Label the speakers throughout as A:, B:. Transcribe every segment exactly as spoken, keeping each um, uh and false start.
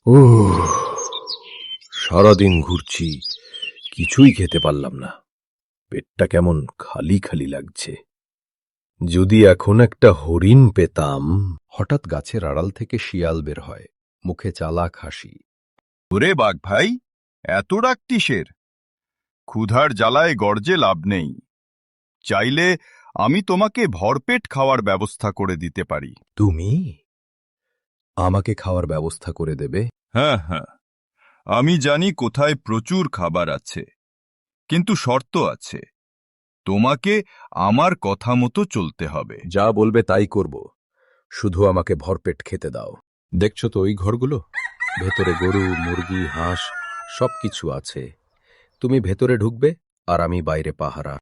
A: উহ, সারাদিন ঘুরছি, কিছুই খেতে পারলাম না। পেটটা কেমন খালি খালি লাগছে। যদি এখন একটা হরিণ পেতাম। হঠাৎ গাছের আড়াল থেকে শিয়াল বের হয়, মুখে চালাক হাসি।
B: ওরে বাঘ ভাই, এত ডাক কিসের? ক্ষুধার জ্বালায় গর্জে লাভ নেই। চাইলে আমি তোমাকে ভরপেট খাওয়ার ব্যবস্থা করে দিতে পারি।
A: তুমি আমাকে খাওয়ার ব্যবস্থা করে দেবে?
B: হ্যাঁ হ্যাঁ, আমি জানি কোথায় প্রচুর খাবার আছে, কিন্তু শর্ত আছে। তোমাকে আমার কথা মতো চলতে হবে।
A: যা বলবে তাই করব, শুধু আমাকে ভরপেট খেতে দাও। দেখছো তো ওই ঘরগুলো? ভেতরে গরু, মুরগি, হাঁস সবকিছু আছে। তুমি ভেতরে ঢুকবে আর আমি বাইরে পাহারা।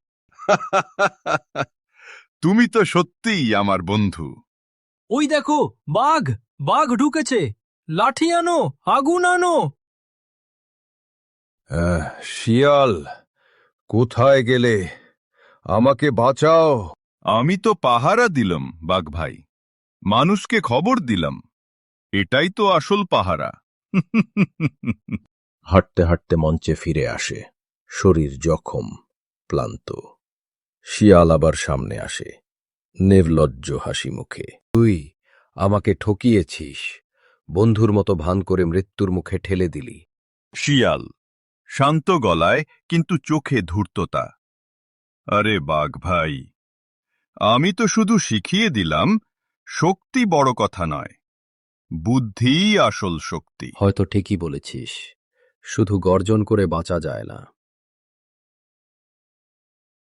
B: তুমি তো সত্যিই আমার বন্ধু।
C: ওই দেখো, বাঘ বাঘ ঢুকেছে। লাঠি আনো, আগুন আনো।
A: আহ, শিয়াল, কোথায় গেলে? আমাকে বাঁচাও।
B: আমি তো পাহারা দিলাম বাঘ ভাই, মানুষকে খবর দিলাম। এটাই তো আসল পাহারা।
A: হাঁটতে হাঁটতে মঞ্চে ফিরে আসে, শরীর জখম, ক্লান্ত। শিয়াল আবার সামনে আসে, নির্লজ্জ হাসি মুখে। তুই আমাকে ঠকিয়েছিস, বন্ধুর মতো ভান করে মৃত্যুর মুখে ঠেলে দিলি।
B: শিয়াল শান্ত গলায়, কিন্তু চোখে ধূর্ততা। আরে বাঘ ভাই, আমি তো শুধু শিখিয়ে দিলাম, শক্তি বড় কথা নয়, বুদ্ধিই আসল শক্তি।
A: হয়তো ঠিকই বলেছিস, শুধু গর্জন করে বাঁচা যায় না।